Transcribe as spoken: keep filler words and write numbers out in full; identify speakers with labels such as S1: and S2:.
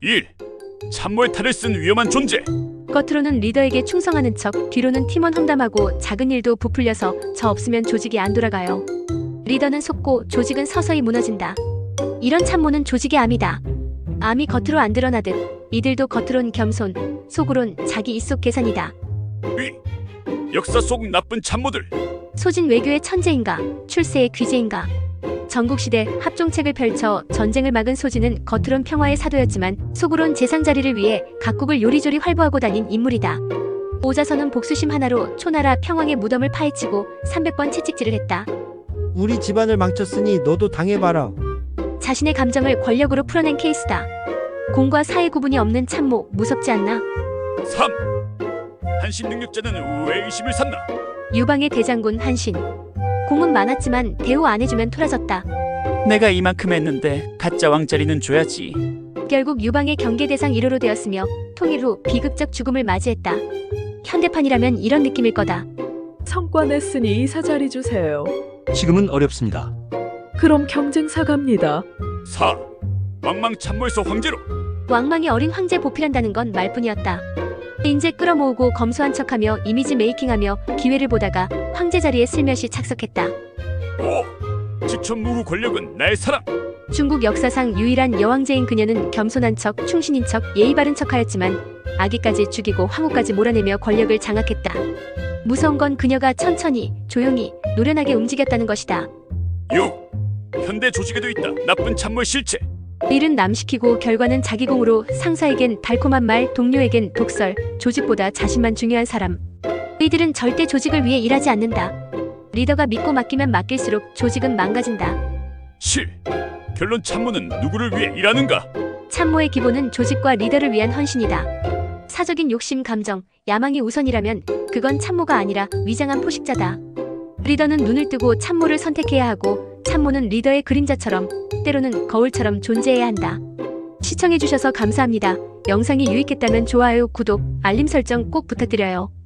S1: 일. 참모의 탈을 쓴 위험한 존재.
S2: 겉으로는 리더에게 충성하는 척, 뒤로는 팀원 험담하고 작은 일도 부풀려서 저 없으면 조직이 안 돌아가요. 리더는 속고 조직은 서서히 무너진다. 이런 참모는 조직의 암이다. 암이 겉으로 안 드러나듯 이들도 겉으론 겸손, 속으론 자기 입속 계산이다.
S1: 이. 역사 속 나쁜 참모들.
S2: 소진 외교의 천재인가, 출세의 귀재인가. 전국시대 합종책을 펼쳐 전쟁을 막은 소진은 겉으론 평화의 사도였지만 속으론 재상자리를 위해 각국을 요리조리 활보하고 다닌 인물이다. 오자선은 복수심 하나로 초나라 평왕의 무덤을 파헤치고 삼백 번 채찍질을 했다.
S3: 우리 집안을 망쳤으니 너도 당해봐라.
S2: 자신의 감정을 권력으로 풀어낸 케이스다. 공과 사의 구분이 없는 참모, 무섭지 않나?
S1: 삼. 한신 능력자는 왜 의심을 샀나?
S2: 유방의 대장군 한신. 공은 많았지만 대우 안 해주면 토라졌다.
S4: 내가 이만큼 했는데 가짜 왕자리는 줘야지.
S2: 결국 유방의 경계 대상 일 호로 되었으며 통일 후 비극적 죽음을 맞이했다. 현대판이라면 이런 느낌일 거다.
S5: 성과 냈으니 이사 자리 주세요.
S6: 지금은 어렵습니다.
S5: 그럼 경쟁사 갑니다.
S1: 사. 왕망 참모에서 황제로.
S2: 왕망이 어린 황제 보필한다는 건 말뿐이었다. 인재 끌어모으고 검소한 척하며 이미지 메이킹하며 기회를 보다가 황제 자리에 슬며시 착석했다.
S1: 오. 지천무후 권력은 나의 사랑.
S2: 중국 역사상 유일한 여왕제인 그녀는 겸손한 척, 충신인 척, 예의 바른 척하였지만 아기까지 죽이고 황후까지 몰아내며 권력을 장악했다. 무서운 건 그녀가 천천히, 조용히, 노련하게 움직였다는 것이다.
S1: 육. 현대 조직에도 있다 나쁜 참모의 실체.
S2: 일은 남 시키고 결과는 자기 공으로 상사에겐 달콤한 말, 동료에겐 독설, 조직보다 자신만 중요한 사람. 이들은 절대 조직을 위해 일하지 않는다. 리더가 믿고 맡기면 맡길수록 조직은 망가진다.
S1: 칠. 결론 참모는 누구를 위해 일하는가?
S2: 참모의 기본은 조직과 리더를 위한 헌신이다. 사적인 욕심, 감정, 야망이 우선이라면 그건 참모가 아니라 위장한 포식자다. 리더는 눈을 뜨고 참모를 선택해야 하고 참모는 리더의 그림자처럼 때로는 거울처럼 존재해야 한다. 시청해주셔서 감사합니다. 영상이 유익했다면 좋아요, 구독, 알림 설정 꼭 부탁드려요.